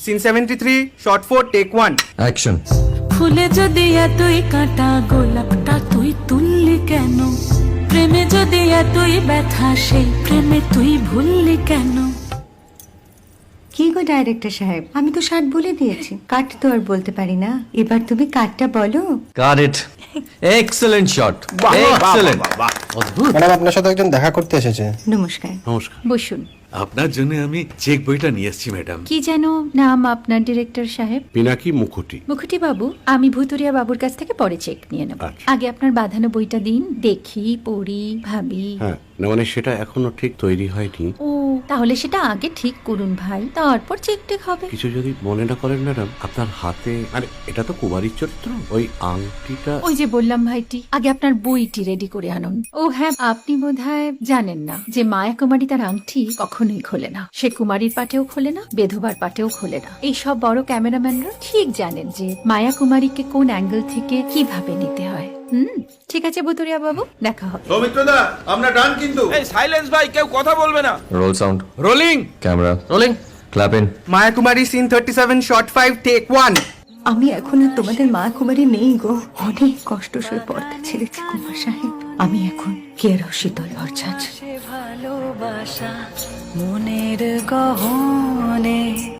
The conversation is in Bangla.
Scene 73 short 4 take 1 action. ফুলে যদি এতই কাঁটা গোলাপটা তুই তুললি কেন? প্রেমে যদি এতই ব্যথা সেই প্রেমে তুই ভুললি কেন? কি গো ডাইরেক্টর সাহেব, আমি তো 60 বলে দিয়েছি, কাট তো আর বলতে পারি না, এবার তুমি কাটটা বলো। Got it. Excellent shot, excellent. অদ্ভুত। ম্যাডাম, আপনার সাথে একজন দেখা করতে এসেছে। নমস্কার। নমস্কার। বসুন। আপনার জন্য আমি চেক বইটা নিয়ে এসেছি ম্যাডাম। কি যেন নাম আপনার ডিরেক্টর সাহেব? পিনাকি মুখোটি। মুখুটি বাবু, আমি ভুতুরিয়া বাবুর কাছ থেকে পরে চেক নিয়ে নেব। আচ্ছা। আগে আপনার বাঁধানো বইটা দিন, দেখি, পড়ি, ভাবি। হ্যাঁ, না মানে সেটা এখনো ঠিক তৈরি হয়নি। ও, তাহলে সেটা আগে ঠিক করুন ভাই, তারপর চেক টেক হবে। কিছু যদি মনে না করেন ম্যাডাম, আপনার হাতে, আরে এটা তো কুমারীর চরিত্র, ওই আংটিটা। ওই যে বললাম ভাইটি, আগে আপনার বইটি রেডি করে আনুন। ও হ্যাঁ, আপনি বোধহয় জানেন না যে মায়া কুমারী তার আংটি কখনোই খোলে না। সে কুমারীর পাটেও খোলে না, বেধবার পাটেও খোলে না। এই সব বড় ক্যামেরাম্যানরা ঠিক জানেন যে মায়া কুমারীকে কোন অ্যাঙ্গেল থেকে কিভাবে নিতে হয়। ঠিক আছে ভুতুরিয়া বাবু, দেখা হবে। সৌমিত্রদা, আমরা ডান কিন্তু। এই সাইলেন্স ভাই, কেউ কথা বলবে না। Roll sound, rolling. Camera rolling, clap in. Maya Kumari scene 37 shot 5 take 1 আমি এখন আর তোমাদের মা কুমারী নেই গো, অনেক কষ্ট সয়ে পর্দা ছেড়েছি কুমার সাহেব। আমি এখন কেরো শীতল ভরছাছ। ভালোবাসা মনের গহনে